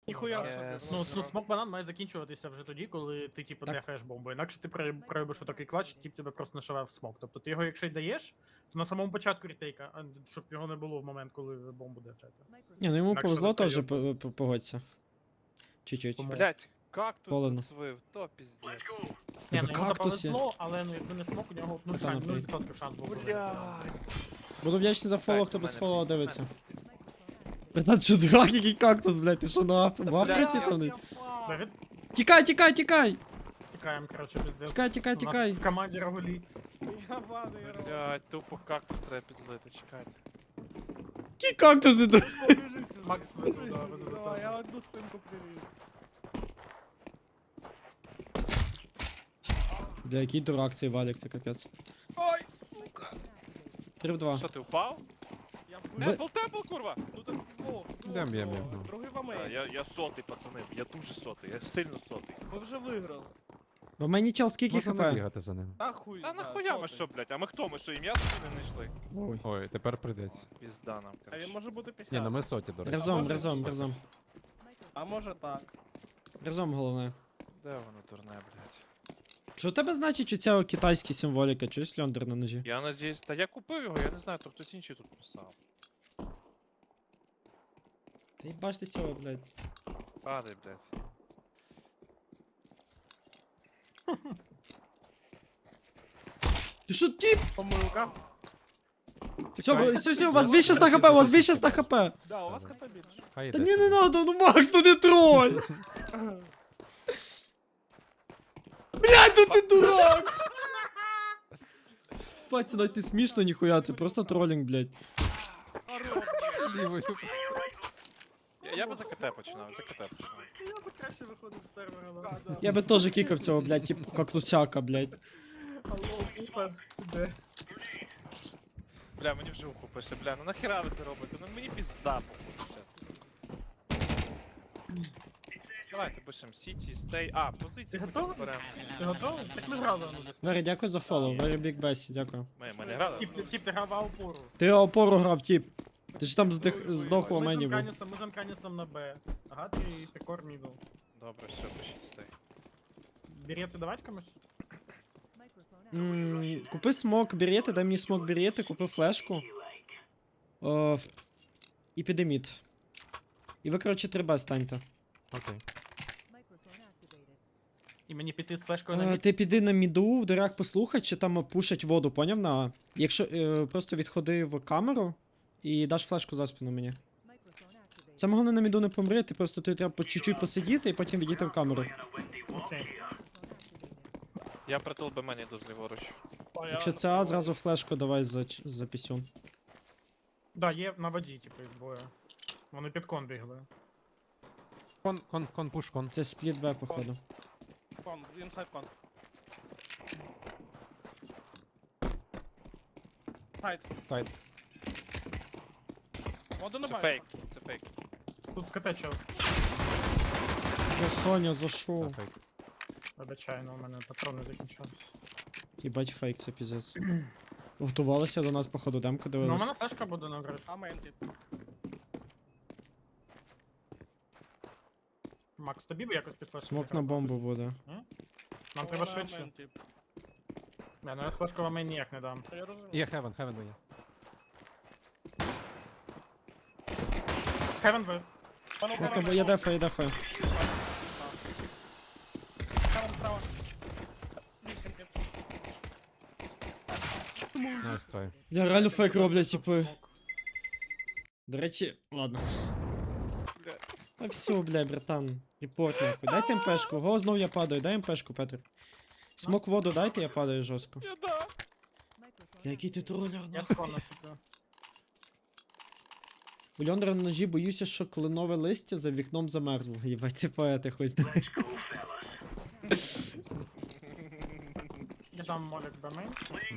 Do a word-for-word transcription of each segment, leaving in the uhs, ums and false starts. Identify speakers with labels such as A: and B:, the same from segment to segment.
A: Ніхуя
B: Yes.
A: собі.
C: Ну, ну смок банан має закінчуватися вже тоді, коли ти типу
D: Так.
C: дефаєш бомбу. Інакше ти при- проробиш такий клач, тип тебе просто нашивав в смок. Тобто ти його, якщо й даєш, то на самому початку рітейка, а щоб його не було в момент, коли ви бомбу дефаєте.
D: Ні, ну йому
C: Інакше
D: повезло
C: не
D: теж,
C: пройде.
D: п- п- погодься. Чуть-чуть.
C: Тому-
B: Блять, кактус
D: Полено.
B: зацвив, то піздець.
C: Ні,
D: Тебе
C: ну йому
D: кактуси.
C: повезло, але ну якби не смок, у нього ну,
D: Та,
C: шанс,
D: наприклад.
C: нуль відсотків шанс був.
B: Блять.
D: Буду вдячний за фоллоу, хто
B: Так,
D: без
B: мене
D: фоллоу
B: пізд-
D: дивиться.
B: мене
D: Братан, що дурак, який кактус, блядь, ти що на Аф- в Африці
B: Бля,
D: там?
A: Я
C: Давид,
D: Тікай, тікай, тікай!
C: тікаємо, коротше, пиздец.
D: Тікай, тікай,
C: У нас
D: тікай.
C: в команді Рагулі.
A: Я падаю.
B: Блять, тупо кактус треба підлити, чекайте.
D: Який кактус ти тут?
A: Біжи сюди.
C: Макс,
A: Біжи
C: веду, да,
A: сюди,
C: веду,
A: давай,
C: веду.
A: я одну спинку привів.
D: Бля, який дурак цей валік, це капець.
A: Ой, сука.
D: три в два.
B: Що ти впав?
A: Я в
D: Ви-
B: Темпл, темпл, курва!
A: Ну так во,
E: Б'єм, б'єм, б'єм, ну.
A: Другий в
B: А,
A: Америці.
B: я, я сотий, пацани, я дуже сотий, я сильно сотий.
A: Ви вже виграли.
D: В мені чел скільки
E: Можна не
D: хп?
E: бігати за ним.
A: Та хуй.
B: Та
A: знає,
B: нахуя ми
A: сотий.
B: що, блять? А ми хто? Ми що, ім'я собі не знайшли?
D: Ой.
E: Ой, тепер прийдеться.
B: Пізда нам,
A: А він
B: короче.
A: може бути п'ятдесят.
E: Ні, ну ми соті, до речі.
D: Разом,
A: може
D: разом,
A: бути.
D: разом.
A: А може так.
D: Разом головне.
B: Де воно дурне, блять?
D: Що у тебе значить оця китайська символіка? Чуєш льондер на ножі?
B: Я надіюсь, та я купив його, я не знаю, там хтось інший тут писав.
D: Та їбаш ти цього, блядь.
B: Падай, блять.
D: Ти що, тіп?
A: Помилка.
D: Все, ви- все, все, у вас більше ста хп, у вас більше ста хп.
A: Да, у вас хп більше.
E: Хай
D: Та
E: йде
D: ні, не
E: собі.
D: надо, ну Макс, ну не троль! Блядь, ну ти дурак! Бать, це навіть не смішно ніхуя, це просто тролінг, блядь.
A: Хорош.
E: Лівою.
B: Я, я би за КТ починав, за КТ починав.
C: Я би краще виходив з сервера.
A: Да,
C: да.
A: да.
D: Я би теж кікав цього, блядь, тип кактусяка, блядь.
C: Алло, Купер, де?
B: Бля, мені вже уху пише, бля, ну нахера ви це робите? Ну мені пізда, походу, чесно. Давайте пишемо City, Stay. А,
C: Ти
B: позиції
C: готовий?
B: беремо.
C: Ти готовий? Так ми грали ну десь.
D: Вері, дякую за фоллоу, Very Big Bесі, дякую.
B: Ми, ми не грали?
C: Тіп, тіп, ти грав опору.
D: Ти опору грав, тіп. Ти ж там здих, здох у
C: Ми з
D: мені був.
C: Анканісом, ми з Анканісом на Б. Ага, ти пікор мідл.
B: Добре, все, пишіть Stay.
C: Берети давать комусь?
D: М, Купи смок берети, дай мені смок берети, купи флешку. О, ф- і піди мід. І ви, коротше, три Б станьте.
E: Окей.
C: І мені піти з флешкою на
D: Е,
C: мід?
D: Ти піди на міду, в дирях послухай, чи там пушать воду, поняв? На А. Якщо е, просто відходи в камеру і даш флешку за спину мені. Це головне на міду не помри, ти просто тобі треба по чуть-чуть посидіти і потім відійти в камеру.
C: Окей.
B: Я притул би мені йду зліворуч.
D: Якщо це А, зразу флешку давай за, ч- за пісюн.
C: Да, є на воді, типу, їх двоє. Вони під кон бігли.
E: Кон, кон, кон, пуш, кон.
D: Це спліт Б, походу.
A: Кон, інсайд кон. Хайд.
E: Тайт.
A: Воду не
B: Це
A: бачу.
B: фейк, це фейк.
C: Тут КТ чел.
D: Я Соня, за що?
E: Та, фейк.
C: Вибачай, у мене патрони закінчились.
D: Їбать фейк, це піздець. Готувалися до нас, походу, демку
C: Ну, у
D: дивились.
C: мене флешка буде на грі.
A: А менті.
C: Макс, тобі б якось під флешку
D: Смок на
C: зіграти?
D: бомбу буде.
C: Нам треба швидше. Я, ну я флешку вам ніяк не дам.
A: Я розумію.
E: Є хевен, хевен є.
C: Хевен ви.
A: Пану
D: Ну,
A: Карен,
D: то я дефаю, я дефаю.
A: Карен справа. Вісім під.
E: Найс трай.
D: Я реально фейк роблять, типу.
C: Смок.
D: До речі, ладно.
B: Бля.
D: Та все, бля, братан. Репорт нахуй. Дайте МПшку. Го, знов я падаю. Дай МПшку, Петр. Смок воду дайте, я падаю жорстко.
B: Я да.
D: Бля, який ти тролер,
C: Я
D: нахуй.
C: скоро наступлю.
D: У Льондра на ножі боюся, що кленове листя за вікном замерзло. Єбать, ти поети хоч.
C: Я дам молік до мейн.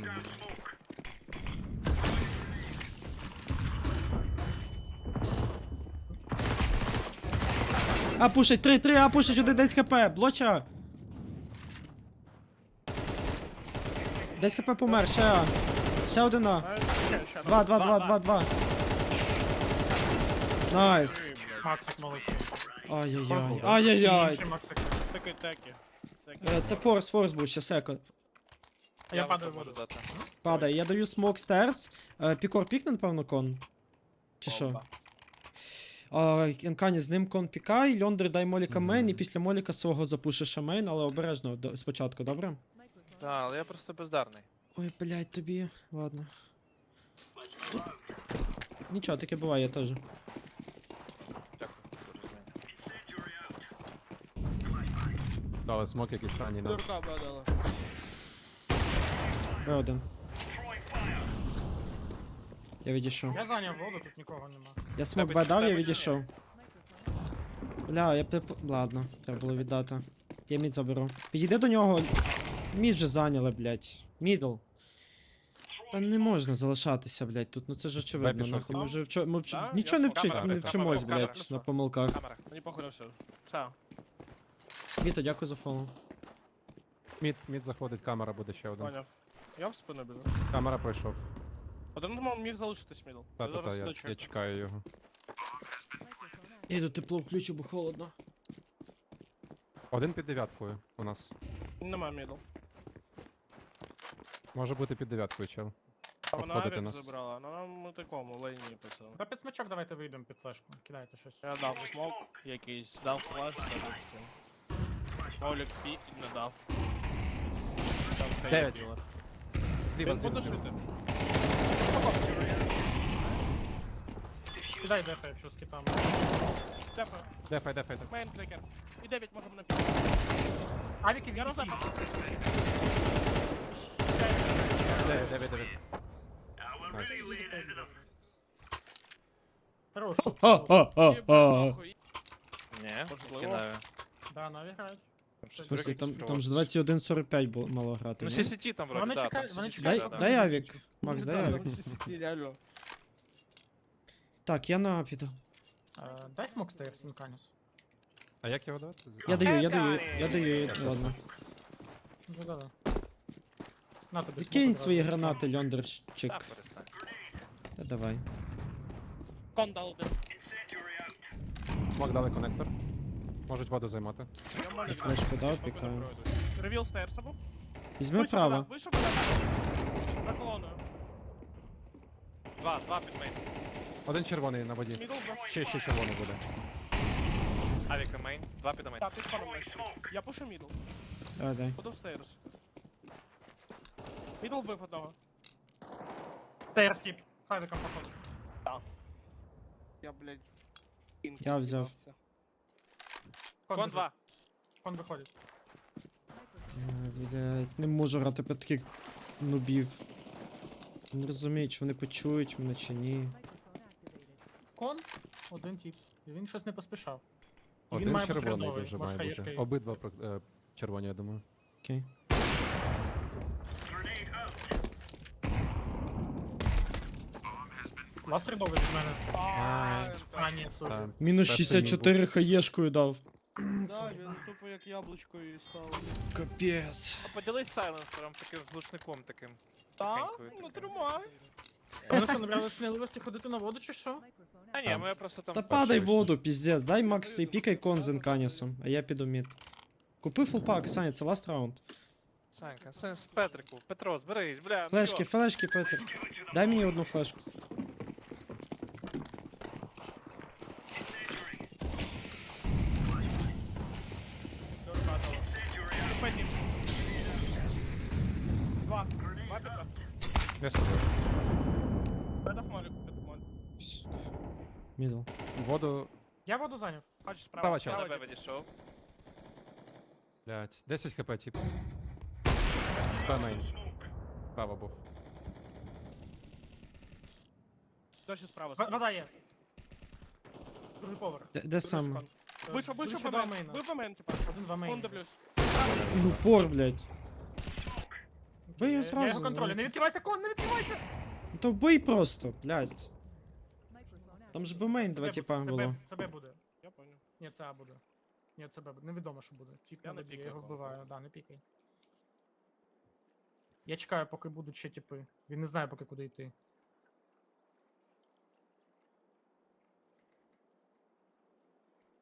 D: А, пушить, три, три, а, пушить, один десять хп, блоча. десять хп помер, ще А. Ще один А.
A: А, ще, ще,
D: Два, два, два, два, два. Найс.
C: Максик молодший.
D: Ай-яй-яй. Ай-яй-яй.
C: Інший Максик.
A: Теки, теки. Теки.
D: Е, Це форс, форс був, ще секо.
C: А я
B: вам
C: падаю в
B: можу
C: воду.
B: дати.
D: Падає, я даю смок стерс. Е, Пікор пікне, напевно, кон. Чи що?
A: Опа.
D: А, Енкані, з ним кон пікай, Льондер дай Моліка
E: Мгм.
D: мейн, і після Моліка свого запушиш мейн, але обережно до- спочатку, добре?
B: Так, але я просто бездарний.
D: Ой, блядь, тобі. Ладно. Нічого, таке буває теж.
B: Дякую. Дуже знаю.
E: Дали смок якийсь ранній нам.
A: Дурка badала.
D: Б один. Я відійшов.
C: Я зайняв воду, тут нікого нема.
D: Я смок
B: Тебе-
D: Б дав, я
B: тебе
D: відійшов. Бля, я прип... Ладно, треба було віддати. Я мід заберу. Підійди до нього. Мід вже зайняли, блядь. Мідл. Та не можна залишатися, блядь, тут, ну це ж очевидно,
E: пішов.
D: нахуй. Ми вже вчо... ми вч...
A: Да?
D: нічого
A: Я
D: не,
A: смок.
D: вчи...
B: Камера,
D: не
B: камера,
D: вчимось,
B: камера,
D: блядь,
B: камера.
D: на помилках.
B: Камера.
A: Мені похуй на все. Чао.
D: Віто, дякую за фоллоу.
E: Мід, мід заходить, камера буде ще один.
A: Поняв. Я в спину біжу.
E: Камера пройшов.
A: Один думав, міг залишитись мідл. Я
E: Та-та-та,
A: зараз
E: я,
A: дочекаю.
E: я чекаю його.
D: Я йду тепло включу, бо холодно.
E: Один під дев'яткою у нас.
A: Нема мідл.
E: Може бути під дев'яткою, чел.
A: А вона
E: Обходити
A: авік
E: нас.
A: забрала. Ну нам у такому лейні пацан.
C: Та під смачок давайте вийдемо під флешку. Кидайте щось.
A: Я дав смок якийсь, дав флеш та відстань. Молік пі не дав. Там стоїть
E: Дев'ять.
A: ділер.
E: Зліва,
A: Він буде
E: зліва.
A: шити.
C: Кидай дефа, якщо з китами.
A: Дефа.
E: Дефай, дефай, дефай.
A: Мейн трекер. І дев'ять можемо на пі.
C: Авіки
A: Я
C: від
A: назад.
E: Дев'ять, дев'ять, дев'ять. Найс.
C: Хорош.
D: Ха-ха-ха-ха.
B: Ні,
A: Можливо.
B: кидаю.
C: Да, наві грають.
B: Щось
D: В смысле,
B: якийсь
D: там, там
B: привод.
D: ж двадцять один сорок п'ять було мало грати.
B: Ну,
D: ні?
B: сі сі ті там вроді,
C: Вони
B: да,
C: чекають-
B: там
C: вони
B: сі сі ті,
D: Дай,
B: да, да.
D: дай авік. Макс, дай авік.
A: Реально.
D: Так, я на піду.
C: Е, Дай смок стейр, Сінканіс.
E: А як його давати?
D: Я даю, я даю, я даю,
E: Все,
D: ладно.
C: Да-да-да. На тобі
D: Викинь
C: смок
D: свої
C: одразу.
D: гранати,
B: Та,
D: льондерчик.
B: перестань.
D: Та давай.
A: Кон дав один.
E: Смок дали коннектор. Можуть воду займати.
A: Я в мене
D: Флешку дав,
A: Смоку не
D: пікаю.
A: пройду. Ревіл стейрса був.
D: Візьми
A: Вийшов
D: право.
A: туди, Вийшов туди. За колоною.
B: Два, два під мейн.
E: Один червоний на воді.
A: Мідл був.
E: Ще, ще червоний буде.
B: Авіка мейн, два під мейн.
A: Так, під коном вийшов. Я пушу мідл.
D: Давай, дай.
A: Буду в стейрс. Мідл вбив одного.
C: Стейр тип. Сайдиком походу.
A: Я, блядь,
D: Я взяв.
B: Кон
C: біжить.
B: два.
C: Кон виходить.
D: Е, Блядь, не можу грати по таких нубів. Не розумію, чи вони почують мене чи ні.
C: Кон, один тип. І він щось не поспішав. І він
E: Один
C: має бути
E: червоний
C: рядовий,
E: дуже
C: може,
E: має
C: хаєшка
E: бути.
C: і-
E: Обидва про- е, червоні, я думаю.
D: Окей.
C: Ласт рядовий від мене.
B: Ай,
C: А, ні, сорі.
E: Та,
D: Мінус
E: перший
D: шістдесят чотири
E: мід
D: хаєшкою дав.
A: Да, він тупо як яблучко і став.
D: Капець.
B: А поділись сайленсером, таким глушником таким.
A: Так,
B: Тихенькою
A: ну
B: такою.
A: тримай.
C: Вони що, набрали сміливості ходити на воду чи що?
B: А ні,
E: Там.
B: ми просто там...
D: Та
E: перший
D: падай в
E: вийшов.
D: воду, піздець. Дай Макс і пікай кон з Енканісом, а я піду мід. Купи фулпак, Саня, це ласт раунд.
B: Санька, Сен- з Петрику, Петро, зберись, бля. ну
D: Флешки,
B: що?
D: флешки, Петр. Дай мені одну флешку.
A: Дурка дала. Петік. Два. Два Петра.
E: Я з тобою.
A: Я дав молік, Петр молік.
D: Мідл.
E: Воду,
C: Я воду зайняв.
A: Хочеш
E: Права
A: справа.
E: чел.
B: Я
A: справа,
B: на Б відійшов.
E: блядь, десять хп, тип. Та мейн. Право був.
A: Дощі справа.
C: В-
A: сидить.
C: Вода є. Другий поверх.
D: Де, де сам?
A: Кон. Вийшов, вийшов
C: Більше
A: по
C: два
A: мейн.
C: мейна.
A: Вийшов по мейн, типа.
C: Один два
A: Кон
C: мейн.
A: дивлюсь.
D: Ну, упор, блядь. Бий його
C: Я
D: зразу.
C: його контролю.
D: ну.
C: Не відкривайся, кон, не відкривайся!
D: Ну, то вбий просто, блядь. Там ж бмейн два
C: Це Б-
D: типа
C: це Б-
D: було.
C: Це Б буде.
A: Я понял.
C: Ні, це А буде. Ні, це Б буде. Невідомо, що буде. Тіп
A: Я
C: на
A: не
C: воді, я
A: пікаю
C: його
A: кон.
C: вбиваю. Да, не пікай. Я чекаю, поки будуть ще тіпи. Він не знає, поки куди йти.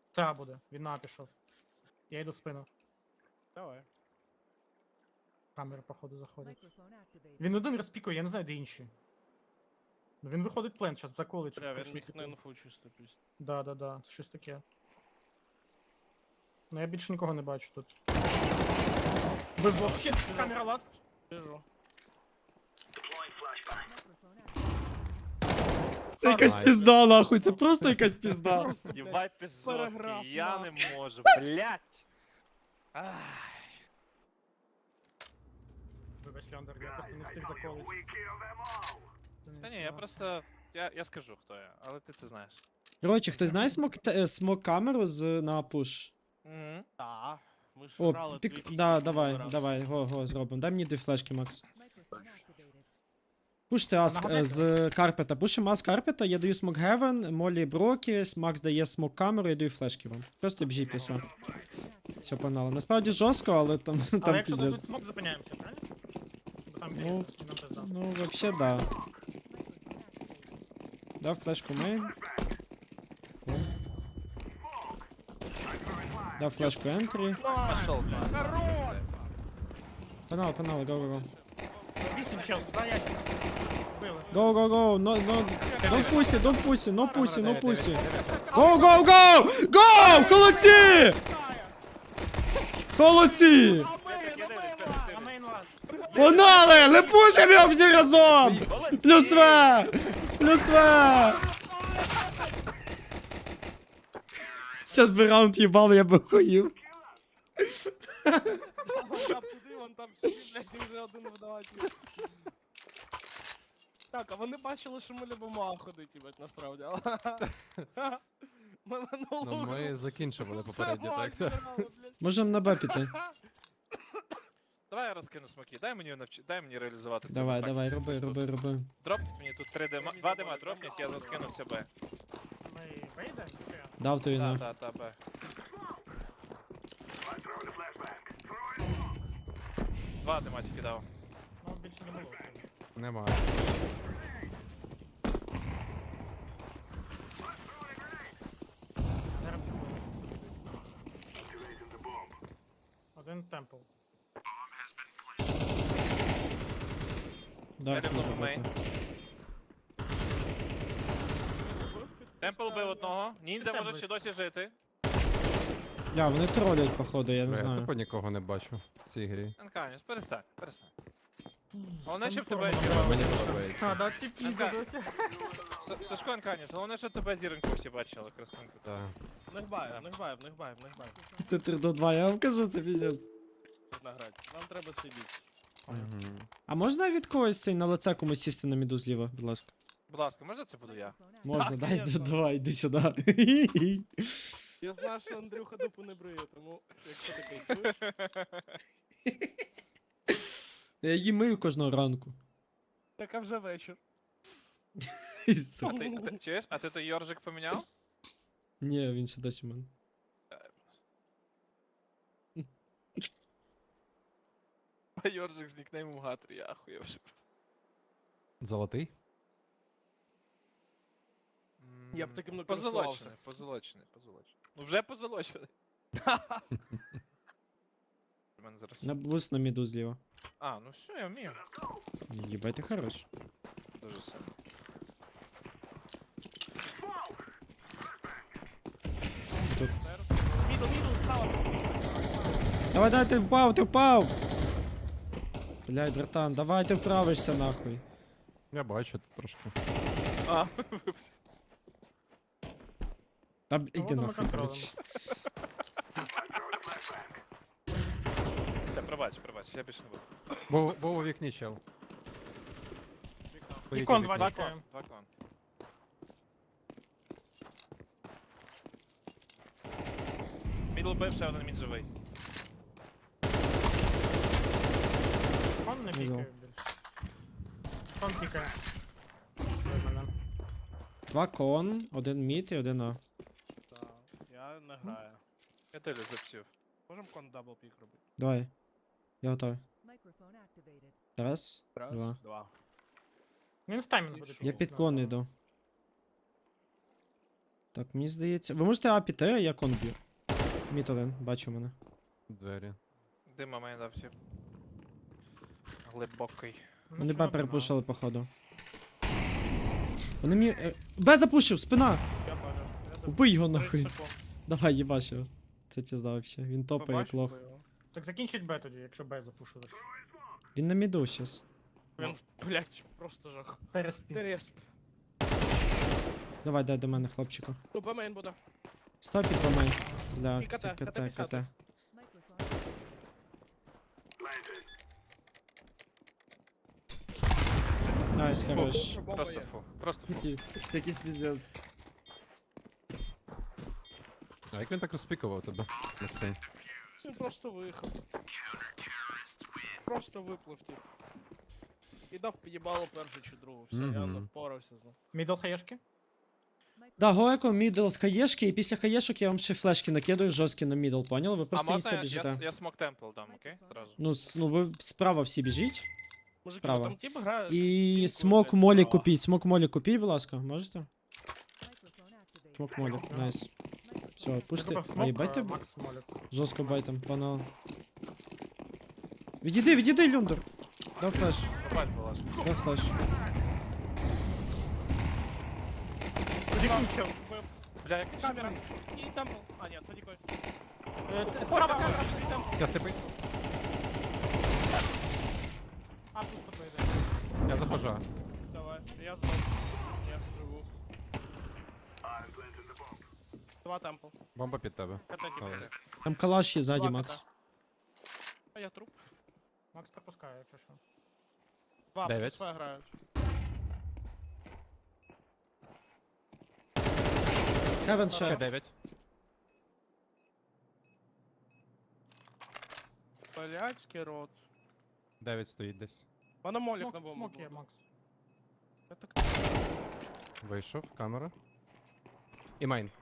C: Це А буде. Він на А пішов. Я йду в спину.
A: Давай.
C: Камери, походу, заходять. Він один розпікує, я не знаю, де інші. Ну він виходить плент, зараз заколить, щоб
A: Бля, він
C: прийшли,
A: міг
C: типу.
A: на інфу чисто пість.
C: Да, да, да, це щось таке. Ну я більше нікого не бачу тут. Ви вообще камера ласт?
A: Біжу.
D: Це якась
E: Найс.
D: пізда, нахуй, це просто якась пізда.
B: Єбать ти
A: Параграф,
B: жорсткий, я не
A: нахуй.
B: можу, блять.
C: Вибач, Леандр, я просто не встиг заколити.
B: Та ні, я просто. Я, я скажу, хто я, але ти це знаєш.
D: Коротше, хтось знає смок, те- смок камеру з на пуш?
B: Угу.
A: Та. Ми ж
D: О,
A: грали
D: пік...
A: дві
D: да,
A: кіки
D: давай,
A: минулий раз.
D: давай, го, го, зробимо. Дай мені дві флешки, Макс. Пуште аск
C: Нагадайте.
D: е, з карпета. Пушимо ас карпета, я даю смок гевен, Молі брокі, Макс дає смок камеру, я даю флешки вам. Просто біжіть після. Все, погнали. Насправді жорстко, але там,
C: Але
D: там
C: якщо
D: піздець.
C: дадуть смок, зупиняємося, правильно? Бо там
D: Ну,
C: ну, нам пизда.
D: Ну, вообще, да. Дав флешку мейн. Дав флешку ентрі.
B: Пошел,
D: Панал, панал, go, go, go.
C: Вісім чел, за ящик. Били.
D: Go, go, go, no, no, don't pussy, don't pussy, no pussy, no pussy. Go, go, go! Go! Холодці! Холодці!
C: На мейн ласт.
D: Погнали! Не пушимо його всі разом! Плюс В! Плюс В! Щас би раунд їбали, я би охуїв.
A: Я туди, вон там сидить, блядь, і вже один видаватель. Так, а вони бачили, що ми любимо А ходити, блядь, насправді. але- Ми минулого
E: Ну, ми
A: року
E: закінчували
A: все
E: попередньо,
A: бак
E: так?
A: збирали, блядь.
D: Можемо на Б піти.
B: Давай я розкину смоки, дай мені навчи... дай мені реалізувати це.
D: Давай,
B: Так,
D: давай,
B: тут-
D: роби,
B: тут-
D: роби, роби.
B: Дроп мені тут три дима, два дима дропніть, я заскину себе.
C: Ми вийдемо? Чи як?
D: Дав тобі
B: Та,
D: на.
B: та, та, бе. Два дима тільки дав.
C: Ну, більше не було.
E: Немає.
C: Зараз один темпл.
D: Дарк
B: Далі
D: може
B: в мейн.
D: бути.
B: Темпл бив одного, ніндзя
C: Темпл
B: може ще
C: вийшов.
B: досі жити.
D: Я, вони тролять, походу, я не
E: Я
D: знаю.
E: тупо нікого не бачу в цій грі.
B: Анканіс, перестань, перестань. Головне,
C: Це
B: щоб
C: не
B: тебе
C: форма,
B: зіроньку.
E: Мені подобається.
C: А, да, ці пізди
B: Анка.
C: досі.
B: С- Сашко Анканіс, головне, щоб тебе зіроньку всі бачили, красунку.
E: Так.
A: В них бай, в них бай, в них бай, в них бай.
D: Це три до два, я вам кажу, це піздець.
A: Можна грати. Нам треба сидіти.
E: Мгм.
D: А можна від когось цей на лице комусь сісти на міду зліва, будь ласка?
B: Будь ласка, можна це буду я?
D: Можна,
A: Так,
D: дай,
A: конечно.
D: давай, йди сюди.
A: Я знаю, що Андрюха дупу не бриє, тому якщо такий чуєш,
D: Я її мию кожного ранку.
A: так а вже вечір.
B: А ти, а ти чуєш? А ти той Йоржик поміняв?
D: Ні, він ще досі у мене.
B: Йоржик з нікнеймом Гатри, я ахуєвши просто.
E: Золотий?
A: Я б таким не
B: Позолочений,
A: користувався.
B: позолочений, позолочений. Ну вже позолочений. У мене зараз.
D: На буст на міду зліва.
B: А, ну все, я вмію.
D: Єбай, ти хорош.
B: Дуже сильно.
A: Мідл, мідл, справа.
D: Давай, давай, ти впав, ти впав! Блядь, братан, давай ти вправишся нахуй.
E: Я бачу тут трошки.
B: А,
D: Та б- іди
C: воно ми
D: нахуй,
C: контролем.
D: коротше.
B: все, пробач, пробач, я більше не буду.
E: Був, був у вікні чел. По якій
C: Ікон
E: вікні?
C: два
B: Два
C: тікає.
B: клан, два клан. Мідл бив, ще один мід живий.
C: Он не
D: Ідол.
C: пікає більше. Он пікає. Ой, мене.
D: Два кон, один мід і один А.
A: Так, я не граю.
B: Я телю запсів.
A: Можем кон дабл пік робити?
D: Давай. Я готовий. Раз,
A: Раз,
D: два.
A: два.
C: Він в таймінг буде
D: Я
C: пікати,
D: під кон
C: да.
D: йду. Так, мені здається. Ви можете А піти, а я кон б'ю. Міт один, бачу мене.
E: Двері.
B: Дима мені дав ті. Глибокий.
C: Ну,
D: Вони
C: все
D: Б
C: одно.
D: перепушили, походу. Вони мені. е, Б запушив, спина!
A: Я теж. Я
D: Убий його
A: тридцять
D: нахуй.
A: секунд.
D: Давай, їбаш його. Це пізда вообще. Він топає як
A: Побачив
D: лох.
A: би його.
C: Так закінчить Б тоді, якщо Б запушилось.
D: Він на міду щас.
A: Він, блядь, просто жах.
C: Тереспін.
A: Тересп.
D: Давай, дай до мене, хлопчику.
A: Ну, Б-мейн буде.
D: Став під помей. Бля,
A: І КТ,
D: це
A: КТ
D: КТ,
A: п'ятдесят.
D: КТ. Найс, хорош.
A: Бомба
B: Просто
A: є.
B: фу. Просто фу.
D: Це якийсь піздець.
E: А як він так розпікував тебе, Максим?
A: Він просто виїхав. Просто виплив, тип. І дав їбало першу чи другу. Все, я
E: Мгм.
A: не впорався з ним.
C: Мідл хаєшки?
D: Да, Гоеко, мідл з хаєшки, і після хаєшок я вам ще флешки накидаю жорсткі на мідл, поняли? Ви
B: А
D: просто
B: можна
D: інста
B: я,
D: біжите.
B: я, я смок темпл дам, окей? Зразу.
D: Ну, с- ну ви справа всі біжіть.
A: Мужики,
D: Справа.
A: там тип грає.
D: І
A: стінку,
D: смок
A: блядь,
D: молі
A: справа.
D: купіть, смок молі купіть, будь ласка, можете? Смок молі, найс. Все,
C: Я
D: пушти.
C: купив
D: Ай,
C: смок,
D: байте
C: а, Макс молік.
D: жорстко байтом, панал. Відійди, відійди, Люндер. Дай флеш,
B: Побать, будь ласка.
D: дай флеш.
C: Закінчив.
B: Бля, який
A: Камера. І темпл. А, ні, це дікой.
C: Е, ти- Справа камера.
A: І темпл.
E: Я сліпий.
C: А, пусто поїде.
E: Я заходжу.
A: Давай, я здох. Я живу. Два темпл.
E: Бомба під тебе.
A: КТ
E: Але.
A: типу.
D: Там калаш є ззаді,
A: Два
D: Макс.
A: КТ. А я труп.
C: Макс пропускає, якщо що.
A: Два,
E: Дев'ять.
A: пускай грають.
D: Хевен
E: Ще
D: ще.
E: дев'ять.
A: Блядський рот.
E: Дев'ять стоїть десь.
A: Мене молік на
C: Смок,
A: бомбу.
C: смок є,
A: буде.
C: Макс.
A: Я так-
E: Вийшов, камера. І майн.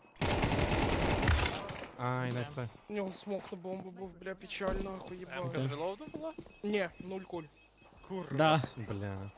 E: Ай, найс трай.
A: У нього смок на бомбу був, бля, печально, охуй
B: Емка
A: їбав.
D: Окей.
B: з релоуду була?
A: Ні, нуль куль. Курва.
D: Да.
E: Бля.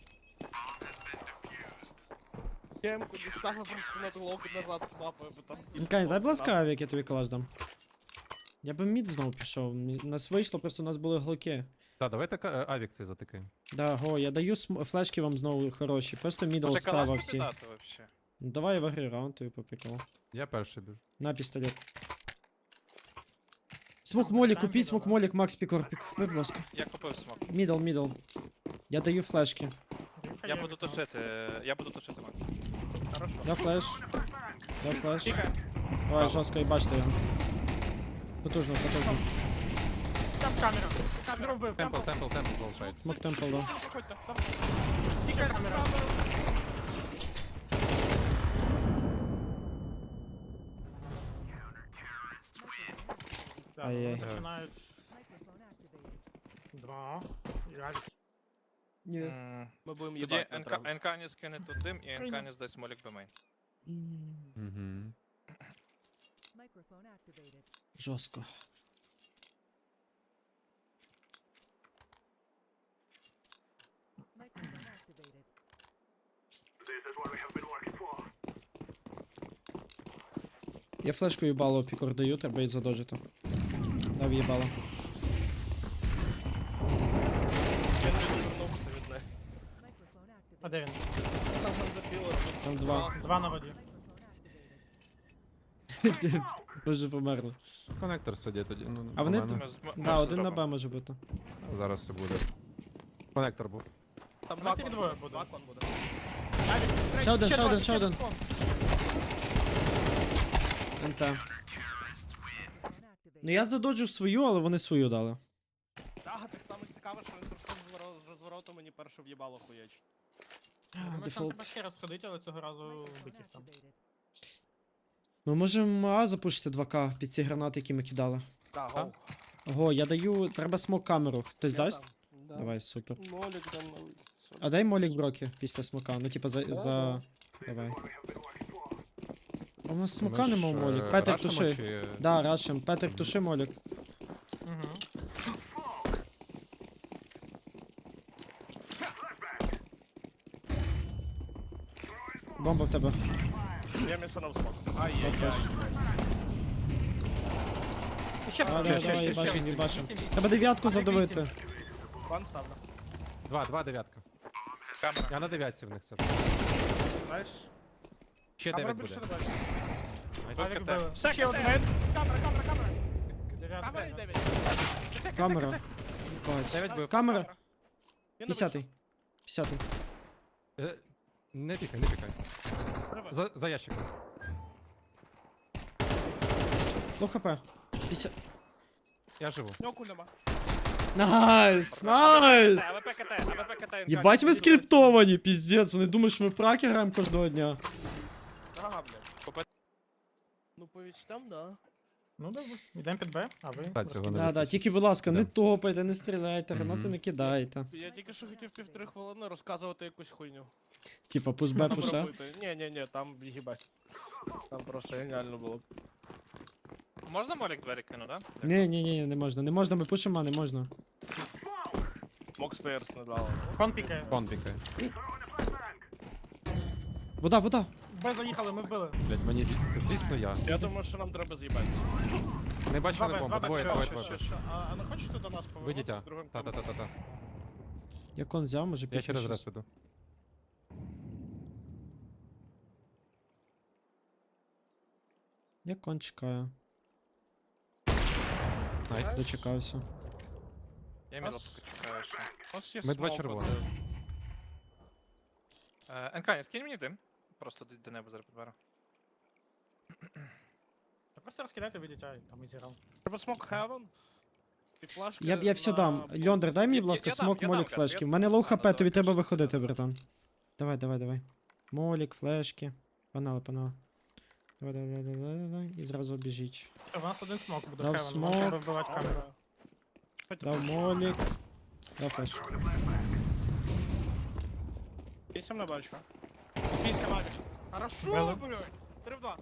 A: Я емку дістав, а просто на глоку назад снапаю, бо там... тип
D: Мкай, дай, будь
A: знов
D: ласка, авік, я тобі калаш дам. Я би мід знову пішов. Мі- У нас вийшло, просто у нас були глоки.
E: Та, давайте ка- авік цей затикаємо.
D: Да, го, я даю см- флешки вам знову хороші. Просто мідл
B: Може
D: справа
B: калаш
D: всі.
B: тобі дати вообще?
D: Ну давай в гри раунд тобі по приколу.
E: Я перший біжу.
D: На пістолет. Смок
C: Там
D: молік,
C: там
D: купіть
C: мідл,
D: смок
C: да?
D: молік, Макс пікор, пік, будь ласка.
B: Я купив смок.
D: Мідл, мідл. Я даю флешки.
B: Я буду тушити, я буду тушити Макс.
A: Хорошо.
D: Да флеш. Да флеш.
A: Тихо.
D: Давай, жорстко, і бачите його. Потужно, потужно.
C: Там камера. Камеру вбив.
E: Темпл,
C: Темпл.
E: темпл, темпл залишається.
D: Смок темпл, да.
A: Проходьте, там. Тихо, камера.
C: Так,
D: Ай-яй.
C: вони починають. Два. Явік.
D: Ні.
B: М,
A: Ми будемо
B: Тоді
A: їбати.
B: НК НК не скине тут дим і НК не здасть смолік до мейн.
E: Угу.
D: Жорстко. Я флешку їбало пікор даю, треба її задожити. Дав їбало.
A: Я не відвернувся від неї.
C: А де він?
A: Там запіло.
D: Там два.
C: Два на воді.
D: Боже, померли.
E: Конектор сидить тоді. Ну,
D: А вони
E: нормально.
B: Ми з- ми- ми
D: Да, один на
B: зробимо.
D: Б може бути.
E: Зараз все буде. Конектор був.
A: Там два
C: Давайте
A: кон
C: двоє
A: буде.
C: буде.
A: Два кон буде.
D: Ще один, ще
C: два,
D: один, ще один.
C: два.
D: НТ. Ну я задоджив свою, але вони свою дали.
A: Так, так само цікаво, що він просто з розворо- з розвороту мені перше в'їбало хуячить.
C: Думаю, там
D: Дефолт.
C: треба ще раз ходити, але цього разу вбити їх там.
D: Ми можемо А запушити два К під ці гранати, які ми кидали.
A: Так,
E: А?
A: гоу.
D: Ого, я даю. Треба смок камеру. Хтось
A: Я
D: дасть?
A: дам. Да.
D: Давай, супер.
A: Молік дам на вихід.
D: А дай молік броки після смока. Ну, типа за.
A: Да,
D: за... Давай. А у нас смока
E: Ми ж,
D: нема в молік.
E: е,
D: Петрик,
E: рашимо
D: туши.
E: чи-
D: Да, рашим. Петрик, туши молік.
C: Угу.
D: Бомба в тебе.
A: Я місанув смок. Ай-яй-яй.
C: І ще
D: А,
C: там,
D: да,
C: ще,
D: давай,
C: ще, ще,
D: їбашим,
C: ще,
D: їбашим.
C: вісім, вісім.
D: Треба дев'ятку
C: А,
D: задавити.
C: вісім.
A: Ван ставлю.
E: Два, два дев'ятка.
B: Камера.
E: Я на дев'ятці в них все.
A: Знаєш?
E: Ще
A: Камера
E: дев'ять
A: більше
E: буде.
A: не бачить.
C: Авік
B: КТ.
C: били.
B: Все,
C: Ще
B: КТ.
C: один.
A: Камера, камера, камера.
C: Дев'ятка.
A: Камера і дев'ять.
D: Камера. Бать.
E: Дев'ять бив.
D: Камера.
A: Він не
D: П'ятдесятий. П'ятдесятий.
E: Е, Не пікай, не пікай.
A: вийшов.
E: За, за ящиком.
D: Лоу хп. п'ятдесят.
E: Я живу.
A: В нього куль нема.
D: Найс! Найс!
B: АВП КТ, АВП КТ.
D: Єбать ми скриптовані, піздець. Вони думають, що ми праки граємо кожного дня.
A: Ага, блядь. Ну, по відчуттям, да.
C: Ну добре, йдемо під Б, а ви?
E: Та, цього не
D: Да, да,
E: вистачить.
D: тільки, будь ласка, не
E: Да.
D: топайте, не стріляйте, гранати
E: Мгм.
D: не кидайте.
A: Я тільки що хотів півтори хвилини розказувати якусь хуйню.
D: Типа, пуш Б,
A: Там
D: пуш А.
A: робити. Ні, ні, ні, там їбать. Там просто геніально було.
B: Можна молік двері кину, да?
D: Ні, ні, ні, не можна, не можна, ми пушимо, а не можна.
A: Мок стейрс не дало.
C: Кон пікає.
E: Кон пікає.
D: Вода, вода.
C: Б заїхали, ми вбили.
E: Блять, мені, звісно, я.
A: Я думаю, що нам треба з'їбати.
E: Не бачу
C: Два
E: на
C: Б,
E: бомбу,
C: два Б,
E: двоє,
C: що,
E: двоє,
C: що,
E: двоє.
C: що,
A: А, а не хочете до нас повернутися
E: Вийдіть, а.
A: з другим
E: Та, та, та, та, та.
D: Я кон взяв, може
E: Я
D: пікнеш
E: через
D: щас.
E: раз веду.
D: Я кон чекаю.
E: Найс.
D: Дочекався.
B: Я мідл поки чекаю ще.
A: У нас є
E: Ми два
A: смок
E: червоних.
A: один.
B: Е, Енкані, скинь мені дим. Просто до- до неба зараз підберу.
C: Та просто розкидайте, вийдіть, ай, там і зіграв.
A: Треба смок хевен. І флешки
D: Я, я все
A: на
D: дам.
A: бомбу.
D: Льондер, дай мені,
B: Я-
D: будь
B: я-
D: ласка,
B: я дам,
D: смок,
B: я
D: молік,
B: дам,
D: флешки.
B: я-
D: В мене лоу
B: Да,
D: хп,
B: да,
D: тобі
B: да,
D: треба
B: я-
D: виходити, братан. Давай, давай, давай. Молік, флешки. Панали, панали. Давай, давай, давай, давай, давай. І зразу біжіть.
C: У нас один смок буде
D: Дав
C: в Хевен,
D: смок.
C: нам треба вбивати камеру.
A: Камера. Хоч
D: Дав молік. Дав флеш.
A: вісім не бачу. Вісім авік. Хорошо,
C: Били.
A: блядь. Три в два.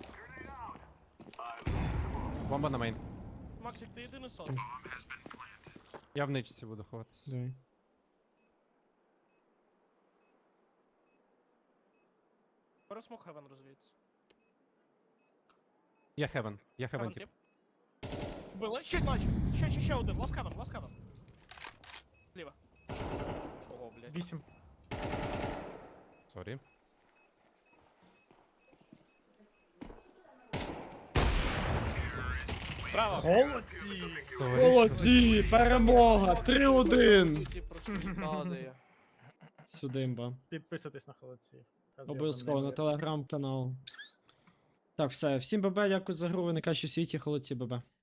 E: Бомба на мейн.
A: Максик, ти єдиний сон.
E: Я в ничці буду ховатися.
D: Давай.
A: Беру смок хевен розвіється.
E: Я хевен. Я хевен тип.
A: Було, ще бачу. Ще, ще, ще один. Ласт хевен, ласт хевен. Ліва. Ого, блядь.
C: Вісім.
E: Сорі.
A: Право.
C: Молодці!
E: Сорі.
D: Молодці! Перемога! три один!
A: Ті просто їбали.
D: Сюди, імба.
C: Підписуйтесь на холодці.
D: Обов'язково на телеграм-канал. Так, все. Всім ББ, дякую за гру, ви найкращі в світі, холодці ББ.